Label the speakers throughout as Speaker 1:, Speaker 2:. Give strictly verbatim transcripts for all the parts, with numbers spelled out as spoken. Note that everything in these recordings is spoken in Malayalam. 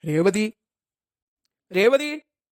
Speaker 1: രേവതി, രേവതി.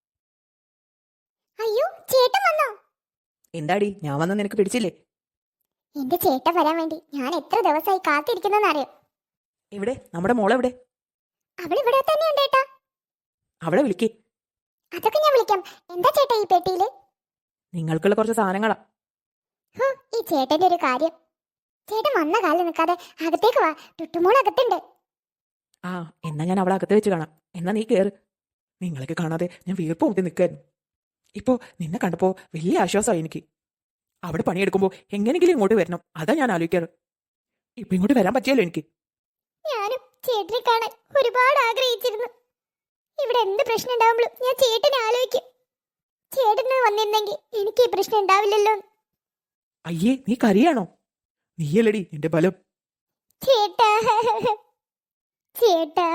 Speaker 2: അയ്യോ, ചേട്ടൻ വന്നോ?
Speaker 1: എന്താടി, ഞാൻ വന്ന നിനക്ക് പിടിച്ചില്ലേ?
Speaker 2: എന്റെ ചേട്ടൻ വരാൻ വേണ്ടി ഞാൻ എത്ര ദിവസമായി കാത്തിരിക്കുന്നെന്ന് അറിയോ?
Speaker 1: എവിടെ നമ്മുടെ മോളെവിടെ?
Speaker 2: അവൾ ഇവിടെ തന്നെയുണ്ട് ഏട്ടാ.
Speaker 1: അവളെ വിളിക്ക്.
Speaker 2: അതൊക്കെ ഞാൻ വിളിക്കാം. എന്താ ചേട്ടാ ഈ പെട്ടിയില്?
Speaker 1: നിങ്ങൾക്കുള്ള കുറച്ച് സാധനങ്ങളാ.
Speaker 2: ഹോ, ഈ ചേട്ടന്റെ ഒരു കാര്യം. ചേട്ടൻ വന്ന കാലിൽ നിൽക്കാതെ അകത്തേക്ക് വാ, ടുട്ടുമോൾ അകത്തുണ്ട്.
Speaker 1: ആ, എന്നാ ഞാൻ അവളെ അകത്ത് വെച്ച് കാണാം. എന്നാ നീ കേറ്. നിങ്ങളൊക്കെ കാണാതെ ഞാൻ വീർപ്പ് മുട്ടി നിൽക്കായിരുന്നു. ഇപ്പോ നിന്നെ കണ്ടപ്പോ വലിയ ആശ്വാസമായി എനിക്ക്. അവിടെ പണിയെടുക്കുമ്പോൾ എങ്ങനെങ്കിലും ഇങ്ങോട്ട് വരണം, അതാ ഞാൻ ആലോചിക്കാറ്. ഇപ്പൊ ഇങ്ങോട്ട് വരാൻ പറ്റിയല്ലോ എനിക്ക്.
Speaker 2: ഞാനും ചേട്ടനെ കാണാൻ ഒരുപാട് ആഗ്രഹിച്ചിരുന്നു. ഇവിടെ എന്ത് പ്രശ്നം ഉണ്ടാവുമ്പോഴും ഞാൻ ചേട്ടനെ ആലോചിക്കും. ചേട്ടന് വന്നിരുന്നെങ്കിൽ എനിക്ക് ഈ പ്രശ്നം ഉണ്ടാവില്ലല്ലോ.
Speaker 1: അയ്യേ, നീ കരയാണോ? നീയല്ലടി എന്റെ ബലം.
Speaker 2: ചേട്ടാ, ചേട്ടാ.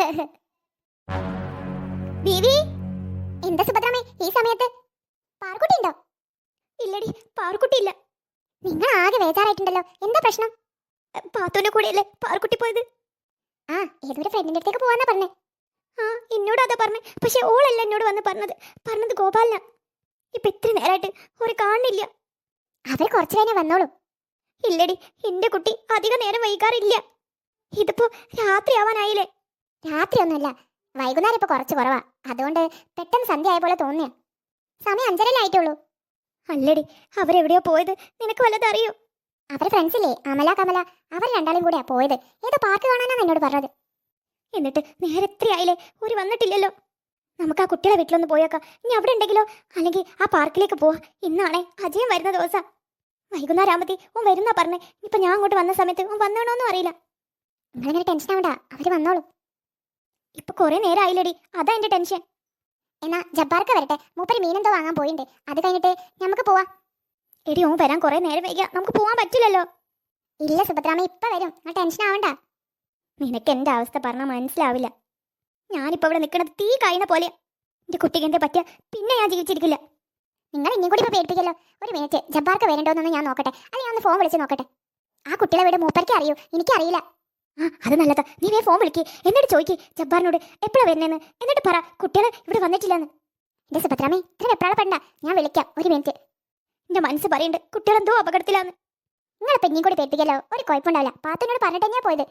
Speaker 2: ബീവി, എന്താ സുഭദ്രാമേ ഈ സമയത്ത്? പാർക്കുട്ടി ഉണ്ടോ? ഇല്ലടി, പാർക്കുട്ടി ഇല്ല. നിങ്ങൾ ആകെ വേജാറായിട്ടുണ്ടല്ലോ, എന്താ പ്രശ്നം? പാത്തോന്റെ കൂടെയല്ലേ പാർക്കുട്ടി പോയത്? ആ, ഏതൊരു ഫ്രണ്ടിന്റെ അടുത്തേക്ക് പോവാന്നാ പറഞ്ഞേ. ആ, എന്നോട് അതാ പറഞ്ഞേ. പക്ഷെ ഓളല്ല എന്നോട് വന്ന് പറഞ്ഞത്. പറഞ്ഞത് ഗോപാലന. ഇപ്പൊ ഇത്ര നേരമായിട്ട് ഒരു കാണുന്നില്ല. അവർ കുറച്ചു കഴിഞ്ഞാൽ വന്നോളൂ. ഇല്ലടി, എന്റെ കുട്ടി അധിക നേരം വൈകാറില്ല. ഇതിപ്പോ രാത്രി ആവാനായില്ലേ? രാത്രിയൊന്നുമില്ല, വൈകുന്നേരം ഇപ്പൊ കുറച്ച് കുറവാ. അതുകൊണ്ട് പെട്ടെന്ന് സന്ധ്യ ആയ പോലെ തോന്നിയ. സമയം അഞ്ചരല്ലായിട്ടുള്ളൂ. അല്ലടി, അവരെവിടെയോ പോയത്, നിനക്ക് വല്ലതും അറിയോ? അവരെ ഫ്രണ്ട്സില്ലേ, അമല കമല, അവർ രണ്ടാളും കൂടെയാ പോയത്. ഏതോ പാർക്ക് കാണാനാണ് എന്നോട് പറഞ്ഞത്. എന്നിട്ട് നേരെ എത്രയായില്ലേ, ഒരു വന്നിട്ടില്ലല്ലോ. നമുക്ക് ആ കുട്ടികളെ വീട്ടിലൊന്ന് പോയേക്കാം. ഇനി അവിടെ ഉണ്ടെങ്കിലോ? അല്ലെങ്കിൽ ആ പാർക്കിലേക്ക് പോവാ. ഇന്നാണേ അജയം വരുന്ന ദിവസം. വൈകുന്നേരം ആകുമ്പത്തി ഓൻ വരുന്നാ പറഞ്ഞേ. ഇപ്പൊ ഞാൻ അങ്ങോട്ട് വന്ന സമയത്ത് ഓൻ വന്നോണോന്നും അറിയില്ല. നിങ്ങളിങ്ങനെ ടെൻഷൻ ആവണ്ട, അവര് വന്നോളൂ. ഇപ്പൊ കുറെ നേരം ആയില്ലടി, അതാ എന്റെ ടെൻഷൻ. എന്നാ ജബ്ബാർക്ക് വരട്ടെ, മൂപ്പര് മീനെന്തോ വാങ്ങാൻ പോയിണ്ട്. അത് കഴിഞ്ഞിട്ട് നമുക്ക് പോവാ. എടി, ഓൻ വരാൻ കുറെ നേരം വൈകിയാ നമുക്ക് പോവാൻ പറ്റില്ലല്ലോ. ഇല്ല സുഭദ്രാമ, ഇപ്പൊ വരും, ആ ടെൻഷൻ ആവണ്ട. നിനക്ക് എന്റെ അവസ്ഥ പറഞ്ഞാൽ മനസ്സിലാവില്ല. ഞാനിപ്പോ ഇവിടെ നിൽക്കുന്നത് തീ കഴിയുന്ന പോലെ. എന്റെ കുട്ടിക്ക് എന്തേ പറ്റിയ പിന്നെ ഞാൻ ജീവിച്ചിരിക്കില്ല. നിങ്ങൾ ഇനിയും കൂടി ഇപ്പൊ പേടിപ്പിക്കല്ലോ. ഒരു മിനിറ്റ്, ജബ്ബാർക്ക് വരണ്ടോന്നൊന്ന് ഞാൻ നോക്കട്ടെ. അല്ലെങ്കിൽ ഒന്ന് ഫോൺ വിളിച്ച് നോക്കട്ടെ. ആ കുട്ടികളെ വീട് മൂപ്പർക്ക് അറിയൂ, എനിക്കറിയില്ല. ആ, അത് നല്ലതാ. നീ വേ ഫോൺ വിളിക്ക്. എന്നിട്ട് ചോദിക്ക് ജബ്ബാറിനോട് എപ്പോഴാ വരുന്നതെന്ന്. എന്നിട്ട് പറ കുട്ടികൾ ഇവിടെ വന്നിട്ടില്ലെന്ന്. എന്റെ സുഭദ്രാമേ, ഇത്ര വെപ്രാളപ്പെടണ്ട, ഞാൻ വിളിക്കാം. ഒരു മിനിറ്റ്. എന്റെ മനസ്സ് പറയുന്നുണ്ട് കുട്ടികളെന്തോ അപകടത്തിലാന്ന്. നിങ്ങളിപ്പോ ഇനിയും കൂടി പേടിപ്പിക്കല്ലോ, ഒരു കുഴപ്പമുണ്ടാവില്ല. പാത്തുനോട് പറഞ്ഞിട്ട് ഞാൻ പോയത്.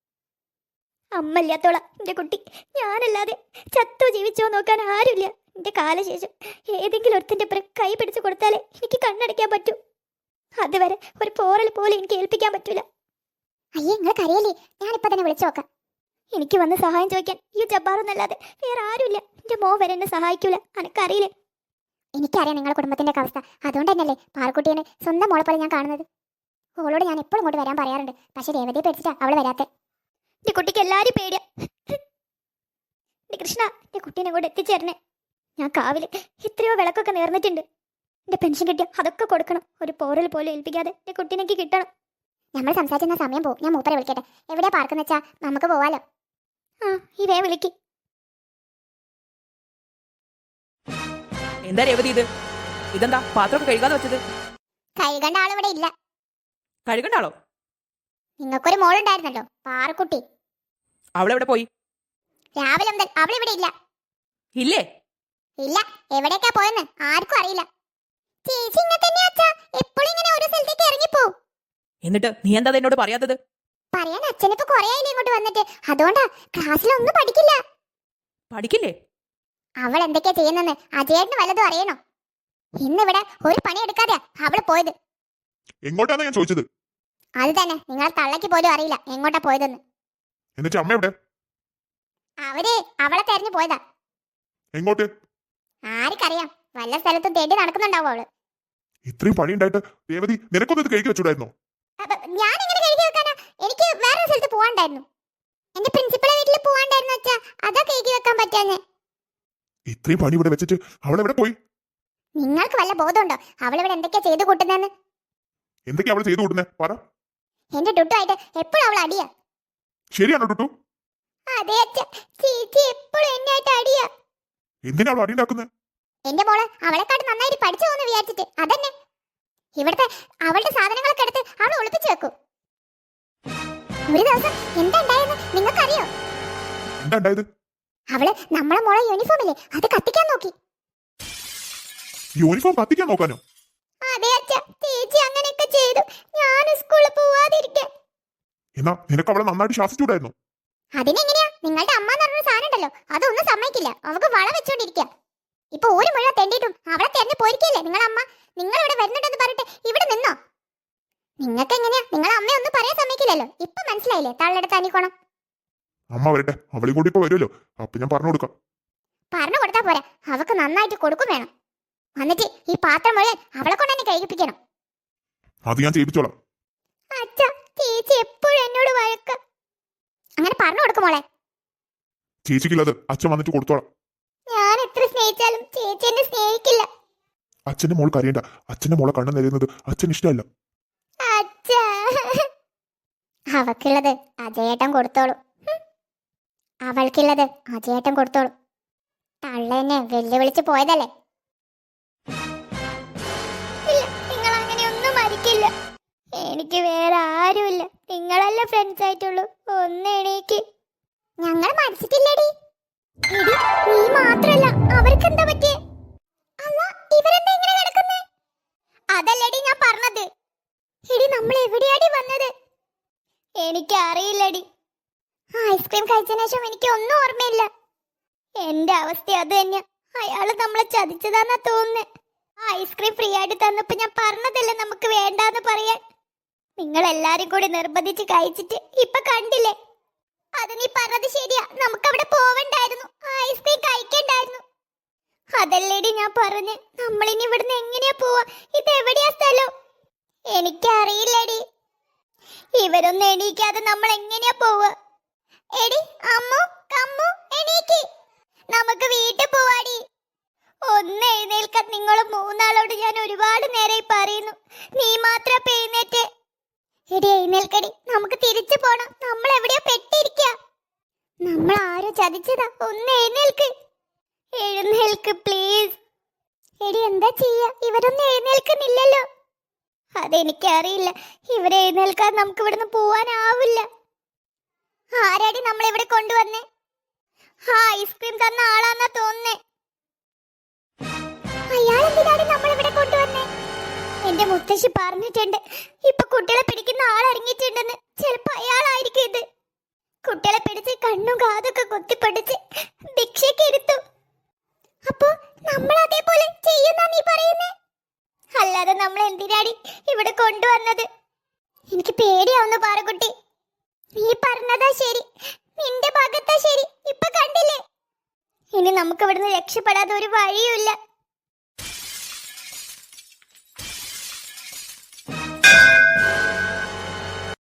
Speaker 2: അമ്മല്ലാത്തോളാ എന്റെ കുട്ടി. ഞാനല്ലാതെ ചത്തോ ജീവിച്ചോ നോക്കാൻ ആരുമില്ല. എന്റെ കാലശേഷം ഏതെങ്കിലും ഒരുത്തിന്റെ പുറം കൈ പിടിച്ചു കൊടുത്താലേ എനിക്ക് കണ്ണടയ്ക്കാൻ പറ്റൂ. അതുവരെ ഒരു പോറൽ പോലും എനിക്ക് ഏൽപ്പിക്കാൻ പറ്റൂല. അയ്യേ, നിങ്ങൾ കരയല്ലേ, ഞാനിപ്പോ തന്നെ വിളിച്ചു നോക്കാം. എനിക്ക് വന്ന് സഹായം ചോദിക്കാൻ ഈ ജബ്ബാറൊന്നല്ലാതെ വേറെ ആരുമില്ല. എന്റെ മോ വരെ എന്നെ സഹായിക്കൂല, അനക്കറിയില്ലേ? എനിക്കറിയാം നിങ്ങളുടെ കുടുംബത്തിന്റെ അവസ്ഥ. അതുകൊണ്ട് തന്നെയല്ലേ പാർക്കുട്ടിയെ സ്വന്തം മോളെ പോലെ ഞാൻ കാണുന്നത്. ഓളോട് ഞാൻ എപ്പോഴും ഇങ്ങോട്ട് വരാൻ പറയാറുണ്ട്. പക്ഷെ രേവതിയെ പേടിച്ചിട്ടാ അവള് വരാത്തെ. എന്റെ കുട്ടിക്ക് എല്ലാരും പേടിയാ. എന്റെ കൃഷ്ണ, എന്റെ കുട്ടീനെ കൂടെ എത്തിച്ചേരണേ. ഞാൻ കാവില് എത്രയോ വിളക്കൊക്കെ നേർന്നിട്ടുണ്ട്. എന്റെ പെൻഷൻ കിട്ടിയ അതൊക്കെ കൊടുക്കണം. ഒരു പോറൽ പോലും ഏൽപ്പിക്കാതെ എന്റെ കുട്ടീനെക്ക് കിട്ടണം. നമ്മൾ സംസാരിക്കുന്ന സമയം പോകും. ഞാൻ മൂപ്പരെ വിളിക്കട്ടെ. എവിടെയാ പാർക്കെന്ന് വെച്ചാ നമുക്ക് പോവാലോ. ആ, ഈ വേ വിളിക്ക്.
Speaker 1: എന്താ രേവതി ഇത്? ഇതെന്താ പാത്രമൊക്കെ കഴുകാതെ വെച്ചത്?
Speaker 2: കഴുകേണ്ട ആളിവിടെ ഇല്ല.
Speaker 1: കഴുകണ്ട ആളോ?
Speaker 2: നിങ്ങൾക്കൊരു മോളുണ്ടായിരുന്നല്ലോ, പാർക്കുട്ടി.
Speaker 1: അവളെവിടെ പോയി?
Speaker 2: രാവിലെ മുതൽ അവളിവിടെ ഇല്ല.
Speaker 1: ഇല്ലേ?
Speaker 2: ഇല്ല, എവിടേക്കാ പോയെന്ന് ആർക്കും അറിയില്ല. ചേച്ചി ഇങ്ങനെ തന്നെയാ അച്ഛാ, എപ്പോഴും ഇങ്ങനെ ഒരു സ്ഥലത്തേക്ക് ഇറങ്ങിപ്പോവും.
Speaker 1: എന്നിട്ട് നീ എന്താ എന്നോട് പറയാത്തത്?
Speaker 2: പറയാൻ അച്ഛനിപ്പോ കൊറേ ആയില്ലേ ഇങ്ങോട്ട് വന്നിട്ട്. അതുകൊണ്ടാ ക്ലാസ്സിലൊന്നും പഠിക്കില്ല.
Speaker 1: പഠിക്കില്ലേ?
Speaker 2: അവൾ എന്തൊക്കെയാ ചെയ്യുന്നെന്ന് അജയേട്ടന് വല്ലതും അറിയണോ? ഇന്നിവിടെ ഒരു പണി എടുക്കാതെയാ അവള് പോയത്.
Speaker 3: എങ്ങോട്ടാണ് ഞാൻ ചോദിച്ചത്?
Speaker 2: അത് തന്നെ, നിങ്ങൾ തള്ളക്ക് പോലും അറിയില്ല എങ്ങോട്ടാ പോയതെന്ന്.
Speaker 3: എന്നിട്ട് അമ്മ എവിടെ?
Speaker 2: അവര് അവളെ തെരഞ്ഞു പോയതാ.
Speaker 3: എങ്ങോട്ട്?
Speaker 2: ആർക്കറിയാം, വല്ല സ്ഥലത്തും തേടി നടക്കുന്നുണ്ടാവും അവള്.
Speaker 3: ഇത്രയും പണി ഉണ്ടായിട്ട് രേവതി നിനക്കൊന്നും ഇത് കഴുകി വെച്ചൂടായിരുന്നോ?
Speaker 2: ഞാൻ എങ്ങനെ കഴുകി വെക്കാനാ? എനിക്ക് വേറെ സ്ഥലത്ത് പോവാണ്ടായിരുന്നു. എന്റെ പ്രിൻസിപ്പളെ വീട്ടിൽ പോവാണ്ടായിരുന്നു അച്ഛാ, അതാ കഴുകി വെക്കാൻ പറ്റാഞ്ഞ്.
Speaker 3: ഇത്രയും പണി ഇവിടെ വെച്ചിട്ട് അവൾ എവിടെ പോയി?
Speaker 2: നിങ്ങൾക്ക് വല്ല ബോധമുണ്ടോ അവളിവിടെ എന്തൊക്കെയാ ചെയ്തു കൂട്ടുന്നെന്ന്?
Speaker 3: എന്തൊക്കെയാ അവൾ ചെയ്തു കൂട്ടുന്നേ? പറ.
Speaker 2: എന്റെ ടുട്ടുമായിട്ട് എപ്പോഴും അവൾ അടിയാ.
Speaker 3: ശരിയാണോ ടുട്ടു?
Speaker 2: അതെ അച്ഛാ, ചേച്ചി എപ്പോഴും എന്നെ ആയിട്ട് അടിയാ.
Speaker 3: എന്തിനാ അവൾ അടി ഉണ്ടാക്കുന്നത്?
Speaker 2: എന്റെ മോള് അവളെക്കാട്ട് നന്നായിട്ട് പഠിച്ചു പോകുന്നു വിചാരിച്ചിട്ട്. അതന്നെ, ഇവിടുത്തെ അവളുടെ സാധനങ്ങളൊക്കെ എടുത്ത് അവൾ ഒളിപ്പിച്ചു വെക്കും. ഒരു ദിവസം എന്താ ഉണ്ടായെന്ന് നിങ്ങൾക്കറിയോ?
Speaker 3: എന്താ ഉണ്ടായത്?
Speaker 2: അവള് നമ്മളെ മോളെ യൂണിഫോം ഇല്ലേ അത് കത്തിക്കാൻ നോക്കി.
Speaker 3: യൂണിഫോം കത്തിക്കാൻ നോക്കാനോ?
Speaker 2: അതെ അച്ഛാ, ചേച്ചി അങ്ങനെയൊക്കെ ചെയ്തു. ഞാൻ സ്കൂളിൽ പോവാതിരിക്കാൻ.
Speaker 3: എന്നാ നിനക്ക് അവളെ നന്നായിട്ട് ശാസിച്ചൂടായിരുന്നു?
Speaker 2: അതിനെങ്ങനെയാ? നിങ്ങളുടെ അമ്മ എന്ന് പറഞ്ഞൊരു സാധനം ഉണ്ടല്ലോ, അതൊന്നും സമ്മതിക്കില്ല. അവക്ക് വള വെച്ചോണ്ടിരിക്കുക. ഇപ്പൊ ഒരു മുഴുവൻ തെണ്ടിയിട്ടും അവളെ തെരഞ്ഞു പോയിരിക്കല്ലേ നിങ്ങളെ അമ്മ. നിങ്ങൾ ഇവിടെ വരുന്നുണ്ടെന്ന് പറഞ്ഞിട്ട് ഇവിടെ നിന്നോ? നിങ്ങൾക്ക് എങ്ങനെയാ നിങ്ങളെ അമ്മ ഒന്നും പറയാൻ സമ്മതിക്കില്ലല്ലോ. ഇപ്പൊ മനസ്സിലായില്ലേ തള്ളെടുത്ത് അനിക്കോണം.
Speaker 3: അമ്മ വരട്ടെ, അവളെ കൂടി ഇപ്പൊ വരുമല്ലോ, അപ്പൊ ഞാൻ പറഞ്ഞു കൊടുക്കാം.
Speaker 2: പറഞ്ഞു കൊടുത്താ പോരാ, അവക്ക് നന്നായിട്ട് കൊടുക്കും വേണം. എന്നിട്ട് ഈ പാത്രം മുഴുവൻ അവളെ കൊണ്ട് തന്നെ കഴിപ്പിക്കണം.
Speaker 3: അത് ഞാൻ ചെയ്യിപ്പിച്ചോളാം.
Speaker 2: അച്ഛാ, ചേച്ചി എപ്പോഴും എന്നോട് വഴക്ക. അങ്ങനെ പറഞ്ഞു കൊടുക്കുമോളെ.
Speaker 3: ചേച്ചിക്കുള്ളത് അച്ഛൻ വന്നിട്ട് കൊടുത്തോളാം.
Speaker 2: ഞാൻ എത്ര സ്നേഹിച്ചാലും ചേച്ചി എന്നെ സ്നേഹിക്കില്ല.
Speaker 3: അച്ഛന്റെ മോൾ കരയണ്ട. അച്ഛന്റെ മോളെ കണ്ണു നിറയുന്നത് അച്ഛൻ ഇഷ്ടമല്ല.
Speaker 2: അച്ഛാ, അവക്കുള്ളത് അജയേട്ടൻ കൊടുത്തോളൂ. ഹും. അവൾക്കുള്ളത് അജയേട്ടൻ കൊടുത്തോളൂ. തള്ളെന്നെ വെല്ലുവിളിച്ച് പോയതല്ലേ. ഇല്ല, നിങ്ങൾ അങ്ങനെ ഒന്നും മരിക്കില്ല. എനിക്ക് വേറെ ആരുമില്ല. നിങ്ങളല്ല ഫ്രണ്ട്സ് ആയിട്ടുള്ളൂ. ഒന്ന് എണീക്ക്. ഞങ്ങൾ മരിച്ചിട്ടില്ലടി. എടി, നീ മാത്രല്ല, അവർക്ക് എന്താ പറ്റിയേ? അല്ല, ഇവരെന്താ ഇങ്ങനെ കിടക്കുന്നേ? അതല്ലടി ഞാൻ പറഞ്ഞത്. എടി, നമ്മൾ എവിടെയാടി വന്നത്? എനിക്ക് അറിയില്ലടി. ഐസ്ക്രീം കഴിച്ചതിന് ശേഷം എനിക്ക് ഒന്നും ഓർമ്മയില്ല. എന്റെ അവസ്ഥ അത് തന്നെയാ. അയാള് നമ്മളെ ചതിച്ചതാന്നാ തോന്നുന്നേ. ഐസ്ക്രീം ഫ്രീ ആയിട്ട് തന്നപ്പോ ഞാൻ പറഞ്ഞതല്ലേ നമുക്ക് വേണ്ടാന്ന് പറയാൻ. നിങ്ങൾ എല്ലാരും കൂടി നിർബന്ധിച്ച് കഴിച്ചിട്ട് ഇപ്പൊ കണ്ടില്ലേ. അത് നീ പറഞ്ഞത് ശരിയാ. നമുക്ക് അവിടെ പോവണ്ടായിരുന്നു, ഐസ്ക്രീം കഴിക്കണ്ടായിരുന്നു. അതല്ലേടി ഞാൻ പറഞ്ഞ്. നമ്മളിനി ഇവിടുന്ന് എങ്ങനെയാ പോവാ? ഇത് എവിടെയാ സ്ഥലം? എനിക്കറിയില്ലടി. ഇവരൊന്നും എണീക്കാതെ നമ്മൾ എങ്ങനെയാ പോവാ? എടി അമ്മു, കമ്മു, എണീക്ക്. നമുക്ക് വീട്ടിൽ പോവാടി. ഒന്ന് എഴുന്നേൽക്കാൻ. നിങ്ങൾ മൂന്നാളോട് ഞാൻ ഒരുപാട് നേരമായി പറയുന്നു. നീ മാത്രം എഴുന്നേറ്റ്. എടി എഴുന്നേൽക്കടി, നമുക്ക് തിരിച്ചു പോണം. നമ്മൾ എവിടെയോ പെട്ടിരിക്കുക. നമ്മൾ ആരോ ചതിച്ചതാ. ഒന്ന് എഴുന്നേൽക്ക്. എഴുന്നേൽക്ക് പ്ലീസ്. എടി എന്താ ചെയ്യാ? ഇവരൊന്നും എഴുന്നേൽക്കുന്നില്ലല്ലോ. അതെനിക്കറിയില്ല. ഇവരെ എഴുന്നേൽക്കാൻ നമുക്ക് ഇവിടുന്ന് പോവാനാവില്ല. ആരാടി നമ്മളിവിടെ കൊണ്ടുവന്നേ? ആ ഐസ്ക്രീം തന്ന ആളാന്നാ തോന്നുന്നേ. അയാളെന്തിനാണ് നമ്മളിവിടെ കൊണ്ടുവന്നേ? എന്റെ മുത്തശ്ശി പറഞ്ഞിട്ടുണ്ട്, ഇപ്പൊ കുട്ടികളെ പിടിക്കുന്ന ആൾ ഇറങ്ങിയിട്ടുണ്ടെന്ന്. ചിലപ്പോ അയാളായിരിക്കും ഇത്. കുട്ടികളെ പിടിച്ച് കണ്ണും കാതൊക്കെ കുത്തിപ്പൊടിച്ച് ഭിക്ഷയ്ക്ക് ഇരുത്തും. അപ്പോ നമ്മൾ അതേപോലെ ചെയ്യുന്നാ നീ പറയുന്നേ? അല്ലാതെ നമ്മൾ എന്തിനാടി ഇവിടെ കൊണ്ടുവന്നത്? എനിക്ക് പേടിയാവുന്നു പാറക്കുട്ടി. നീ പറഞ്ഞതാ ശരി, നിന്റെ ഭാഗത്താ ശരി. ഇപ്പൊ കണ്ടില്ലേ? ഇനി നമുക്ക് ഇവിടുന്ന് രക്ഷപ്പെടാതെ ഒരു വഴിയുമില്ല.